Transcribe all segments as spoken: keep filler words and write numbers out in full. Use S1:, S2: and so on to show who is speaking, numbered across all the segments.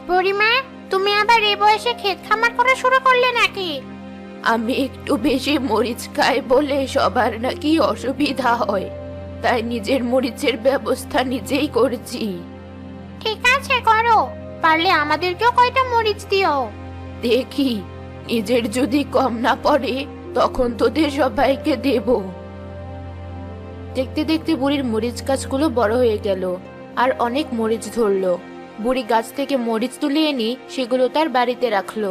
S1: বুড়িমা, তুমি আবার এই বয়সে ক্ষেত খামার করা শুরু করলে নাকি?
S2: আমি একটু বেশি মরিচ খাই বলে সবার নাকি অসুবিধা হয়, তাই নিজের মরিচের ব্যবস্থা নিজেই করছি।
S1: ঠিক আছে, করো। পারলে আমাদেরকেও কয়টা মরিচ দিও।
S2: দেখি, নিজের যদি কম না পড়ে তখন তোদের সবাইকে দেব। দেখতে দেখতে বুড়ির মরিচ গাছগুলো বড় হয়ে গেল আর অনেক মরিচ ধরলো। বুড়ি গাছ থেকে মরিচ তুলে এনে সেগুলো তার বাড়িতে রাখলো।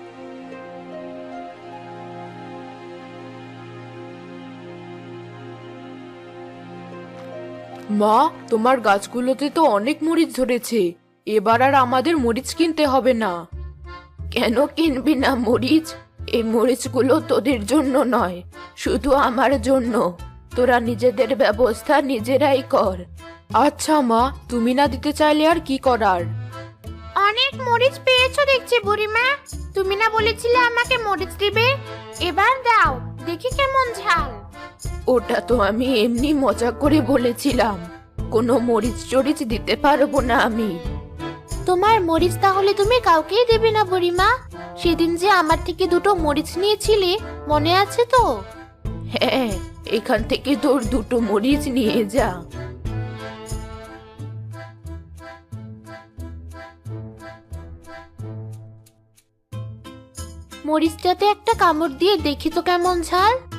S2: মা, তোমার গাছগুলোতে তো অনেক মরিচ ধরেছে, এবার আর আমাদের মরিচ কিনতে হবে না। কেন কিনবি না মরিচ? এই মরিচগুলো তোদের জন্য নয়, শুধু আমার জন্য। তোরা নিজেদের ব্যবস্থা নিজেরাই কর। আচ্ছা মা, তুমি না দিতে চাইলে আর কি করার।
S1: অনেক মরিচ পেয়েছো দেখছি বুড়িমা। তুমি না বলেছিলে আমাকে মরিচ দিবে? এবার দাও, দেখি কেমন ঝাল।
S2: ওটা তো আমি এমনি মজা করে বলেছিলাম, কোনো মরিচ টরিচ দিতে পারবো না আমি।
S1: তোমার মরিচ তাহলে তুমি কাউকেই দেবে না বুড়িমা? সেদিন যে আমার থেকে দুটো মরিচ নিয়েছিলে, মনে আছে তো?
S2: হ্যাঁ, এখান থেকে তোর দুটো মরিচ নিয়ে যা।
S1: মরিচটাতে একটা কামড় দিয়ে দেখি তো কেমন ঝাল।